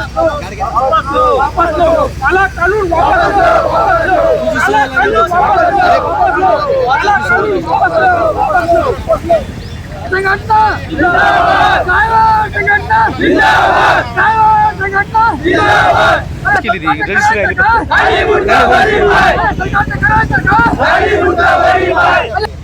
वापस लो, काला कानून वापस लो, काला कानून वापस लो, काला कानून वापस लो, संघटना जिंदाबाद, साहेब संघटना जिंदाबाद, साहेब संघटना जिंदाबाद. केली ती रजिस्ट्री राहिली खाली मुर्दाबादी भाई, सरकारचं करायचं का? खाली मुर्दाबादी भाई.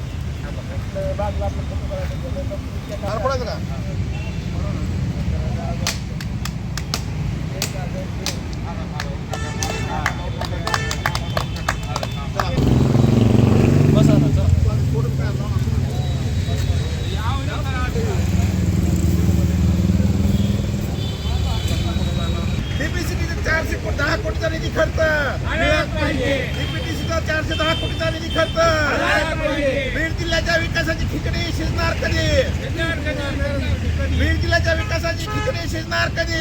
डीपीसीचा 410 कोटीचा निधी खर्च, डीपीसीचा 410 कोटीचा निधी खर्च, बीड जिल्ह्याच्या विकासाची खिचडी शिजणार कधी? बीड जिल्ह्याच्या विकासाची खिचडी शिजणार कधी?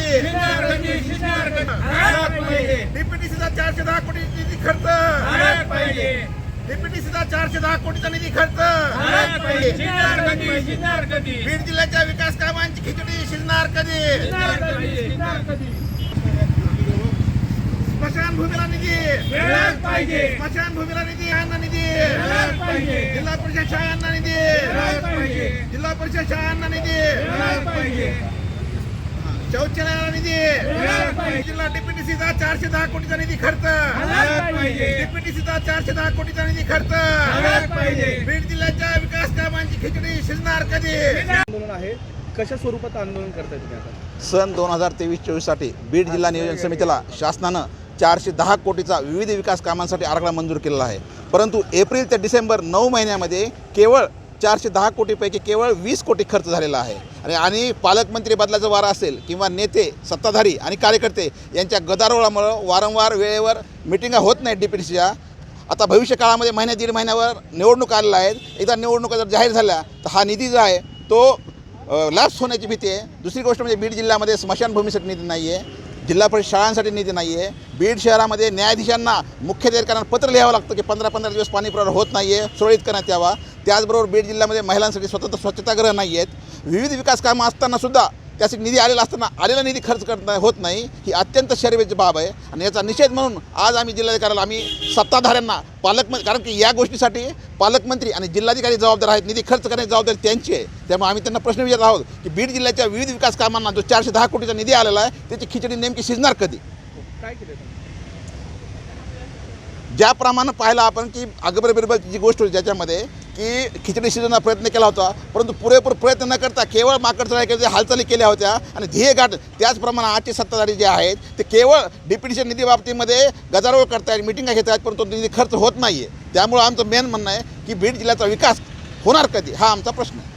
डीपीसीचा 410 कोटी निधी खर्च, डीपीसीचा 410 कोटीचा निधी खर्च, बीड जिल्ह्याच्या विकास कामांची खिचडी शिजणार कधी? स्मशानभूमीला निधी स्मशानभूमीला निधी, यांना निधी, जिल्हा परिषद शाळांना निधी, जिल्हा परिषद शाळांना निधी, शौचालयाला निधी, जिल्हा डीपीटीसीचा 410 कोटीचा निधी खर्च, डीपीटीसीचा 410 कोटीचा निधी खर्च, बीड जिल्ह्याच्या विकास कामांची खिचडी शिजणार कधी? आंदोलन आहे, कशा स्वरूपात आंदोलन करताय तुम्ही आता? सन 2023-24 साठी बीड जिल्हा नियोजन समितीला शासनानं 410 कोटीचा विविध विकास कामांसाठी आराखडा मंजूर केलेला आहे. परंतु एप्रिल ते डिसेंबर 9 महिन्यामध्ये केवळ 410 कोटीपैकी केवळ 20 कोटी खर्च झालेला आहे. आणि पालकमंत्री बदलाचा वारा असेल किंवा नेते, सत्ताधारी आणि कार्यकर्ते यांच्या गदारोळामुळं वारंवार वेळेवर मिटिंगा होत नाहीत डीपीटीसीच्या. आता भविष्य काळामध्ये महिन्या दीड महिन्यावर निवडणूक आलेल्या आहेत. एकदा निवडणुका जर जाहीर झाल्या तर हा निधी जो आहे तो लॅप्स होण्याची भीती आहे. दुसरी गोष्ट म्हणजे बीड जिल्ह्यामध्ये स्मशानभूमीसाठी निधी नाही आहे, जिल्हा परिषद शाळांसाठी निधी नाही आहे. बीड शहरामध्ये न्यायाधीशांना मुख्याधिकाऱ्यांना पत्र लिहावं लागतं की 15-15 दिवस पाणी पुरवठा होत नाही आहे, सुरळीत करण्यात यावा. त्याचबरोबर बीड जिल्ह्यामध्ये महिलांसाठी स्वतंत्र स्वच्छतागृह नाही आहेत. विविध विकास कामं असतानासुद्धा त्यासाठी निधी आलेला असताना आलेला निधी खर्च करता होत नाही, ही अत्यंत शर्मेची बाब आहे. आणि याचा निषेध म्हणून आज आम्ही जिल्हाधिकाऱ्याला, आम्ही सत्ताधाऱ्यांना, कारण की या गोष्टीसाठी पालकमंत्री आणि जिल्हाधिकारी जबाबदार आहेत, निधी खर्च करण्याची जबाबदारी त्यांची आहे. त्यामुळे आम्ही त्यांना प्रश्न विचारत आहोत की बीड जिल्ह्याच्या विविध विकास कामांना जो 410 कोटीचा निधी आलेला आहे त्याची खिचडी नेमकी शिजणार कधी? काय केलं तुम्ही? ज्याप्रमाणे पाहिलं आपण की अकबर बिरबलची जी गोष्ट होती ज्याच्यामध्ये की खिचडी शिजवण्याचा प्रयत्न केला होता, परंतु पुरेपूर प्रयत्न न करता केवळ माकडचढाई हालचाली केल्या होत्या आणि ध्येय गाठ. त्याचप्रमाणे आजचे सत्ताधारी जे आहेत ते केवळ डीपीटीच्या निधी बाबतीमध्ये गदारोळ करतायत, मिटिंगा घेत आहेत, परंतु निधी खर्च होत नाही आहे. त्यामुळे आमचं मेन म्हणणं आहे की बीड जिल्ह्याचा विकास होणार कधी, हा आमचा प्रश्न आहे.